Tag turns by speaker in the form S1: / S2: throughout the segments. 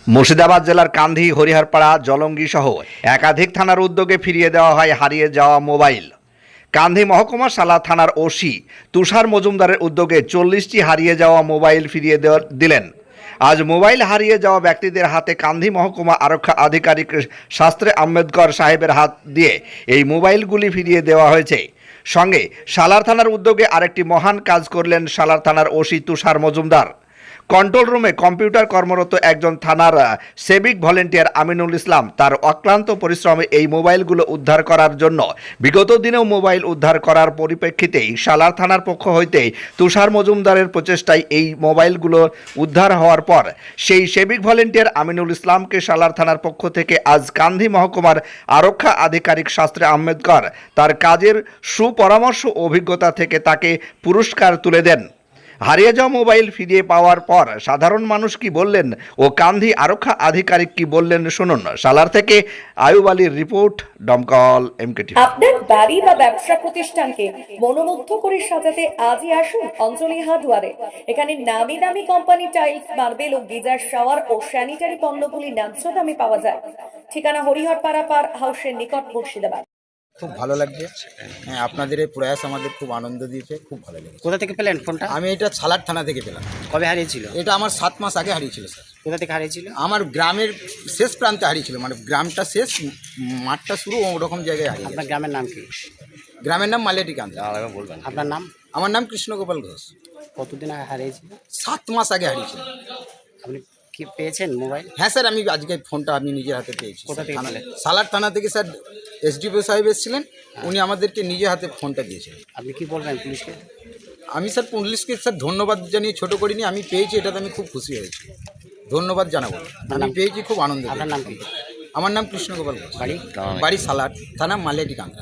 S1: মুর্শিদাবাদ জেলার কান্ধি, হরিহরপাড়া, জলঙ্গি সহ একাধিক থানার উদ্যোগে ফিরিয়ে দেওয়া হয় হারিয়ে যাওয়া মোবাইল। কান্ধি মহকুমা সালা থানার ওসি তুষার মজুমদারের উদ্যোগে 40টি হারিয়ে যাওয়া মোবাইল ফিরিয়ে দিলেন। আজ মোবাইল হারিয়ে যাওয়া ব্যক্তিদের হাতে কান্ধি মহকুমা আরক্ষা আধিকারিক শাস্ত্রে আম্বেদকর সাহেবের হাত দিয়ে এই মোবাইলগুলি ফিরিয়ে দেওয়া হয়েছে। সঙ্গে সালার থানার উদ্যোগে আরেকটি মহান কাজ করলেন সালার থানার ওসি তুষার মজুমদার। কন্ট্রোল রুমে কম্পিউটার কর্মরত একজন থানার সিভিক ভলেন্টিয়ার আমিনুল ইসলাম তার অক্লান্ত পরিশ্রমে এই মোবাইলগুলো উদ্ধার করার জন্য বিগত দিনেও মোবাইল উদ্ধার করার পরিপ্রেক্ষিতেই সালার থানার পক্ষ হইতে তুষার মজুমদারের প্রচেষ্টায় এই মোবাইলগুলো উদ্ধার হওয়ার পর সেই সিভিক ভলেন্টিয়ার আমিনুল ইসলামকে সালার থানার পক্ষ থেকে আজ কান্ধি মহকুমার আরক্ষা আধিকারিক শাস্ত্রে আম্বেদকর তার কাজের সুপরামর্শ ও অভিজ্ঞতা থেকে তাকে পুরস্কার তুলে দেন। হারিয়ে যাওয়া মোবাইল ফিরিয়ে পাওয়ার পর সাধারণ মানুষ কি বললেন ও কান্ধি আরক্ষা আধিকারিক কি বললেন শুনুন। সালার থেকে আয়ুব আলীর রিপোর্ট, দমকল MKT।
S2: আপনার বাড়ি বা ব্যবসা প্রতিষ্ঠানকে মনোমুগ্ধ করে সাজাতে আজই আসুন অঞ্জলি হার্ডওয়্যারে। এখানে নামি দামি কোম্পানি টাইলস, মার্বেল ও গিজার শাওয়ার ও স্যানিটারি পণ্যগুলি ন্যায্য দামে পাওয়া যায়। ঠিকানা হরিহরপাড়া পার হাউসের নিকট, মুর্শিদাবাদ।
S3: খুব ভালো লাগছে। হ্যাঁ, আপনাদের এই প্রয়াস আমাদের খুব আনন্দ দিয়েছে, খুব ভালো লেগেছে।
S4: কোথা থেকে পেলেন ফোনটা?
S3: আমি এটা সালার থানা থেকে পেলাম।
S4: কবে হারিয়েছিল?
S3: এটা আমার 7 মাস আগে হারিয়েছিল স্যার।
S4: কোথা থেকে হারিয়েছিল?
S3: আমার গ্রামের শেষ প্রান্তে হারিয়েছিল, মানে গ্রামটা শেষ, মাঠটা শুরু, ওরকম জায়গায় হারিয়ে
S4: আপনার
S3: গেছে।
S4: গ্রামের নাম কি?
S3: গ্রামের নাম মালিয়াটি কান্দা।
S4: বলবেন আপনার নাম?
S3: আমার নাম কৃষ্ণগোপাল ঘোষ।
S4: কতদিন আগে হারিয়েছিল?
S3: 7 মাস আগে হারিয়েছিল।
S4: আপনি কি পেয়েছেন মোবাইল?
S3: হ্যাঁ স্যার, আমি আজকে ফোনটা আমি নিজের হাতে পেয়েছি।
S4: কোথা থেকে পেলেন?
S3: সালার থানা থেকে স্যার SDPO সাহেব এসেছিলেন, উনি আমাদেরকে নিজের হাতে ফোনটা দিয়েছিলেন।
S4: আপনি কি বলবেন পুলিশকে?
S3: আমি স্যার পুলিশকে স্যার ধন্যবাদ জানিয়ে ছোটো করিনি, আমি পেয়েছি, এটাতে আমি খুব খুশি হয়েছি, ধন্যবাদ জানাবো। আমি পেয়েছি, খুব আনন্দ।
S4: আপনার নাম কি?
S3: আমার নাম কৃষ্ণগোপাল ঘোষ।
S4: বাড়ি?
S3: বাড়ি সালার থানা, মালিয়াটি কান্দা।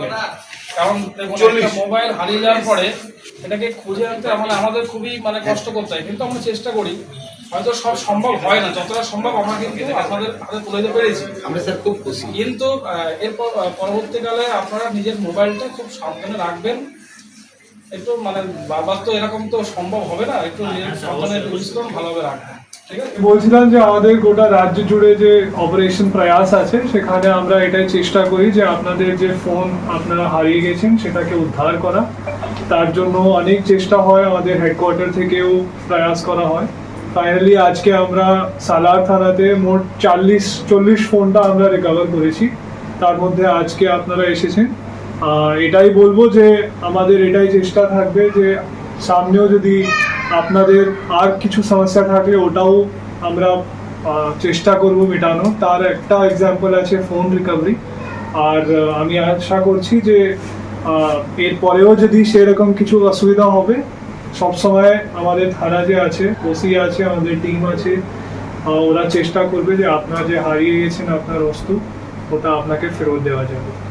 S5: কারণ মোবাইল হারিয়ে যাওয়ার পরে এটাকে খুঁজে আনতে আমাদের খুবই কষ্ট করতে হয়, কিন্তু আমরা চেষ্টা করি। হয়তো সব সম্ভব হয় না, যতটা সম্ভব আমরা কিন্তু আপনাদের হাতে তুলে দিতে পেরেছি।
S3: আমরা স্যার খুব খুশি।
S5: কিন্তু এরপর পরবর্তীকালে আপনারা নিজের মোবাইলটা খুব সাবধানে রাখবেন। একটু বারবার তো এরকম তো সম্ভব হবে না, একটু নিজের সাবধানে পরিশ্রম ভালোভাবে রাখবেন।
S6: বলছিলাম যে আমাদের গোটা রাজ্য জুড়ে যে অপারেশন প্রয়াস আছে, সেখানে আমরা এটাই চেষ্টা করি যে আপনাদের যে ফোন আপনারা হারিয়ে গেছেন সেটাকে উদ্ধার করা। তার জন্য অনেক চেষ্টা হয়, আমাদের হেডকোয়ার্টার থেকেও প্রয়াস করা হয়। ফাইনালি আজকে আমরা সালার থানাতে মোট 40 ফোনটা আমরা রিকভার করেছি। তার মধ্যে আজকে আপনারা এসেছেন। এটাই বলবো যে আমাদের এটাই চেষ্টা থাকবে যে সামনেও যদি আপনাদের আর কিছু সমস্যা থাকলে ওটাও আমরা চেষ্টা করব মেটানো। তার একটা এক্সাম্পল আছে ফোন রিকভারি। আর আমি আশা করছি যে এরপরেও যদি সেরকম কিছু অসুবিধা হবে, সবসময় আমাদের থানা যে আছে, ওসি আছে, আমাদের টিম আছে, ওরা চেষ্টা করবে যে আপনার যে হারিয়ে গেছেন আপনার বস্তু, ওটা আপনাকে ফেরত দেওয়া যাবে।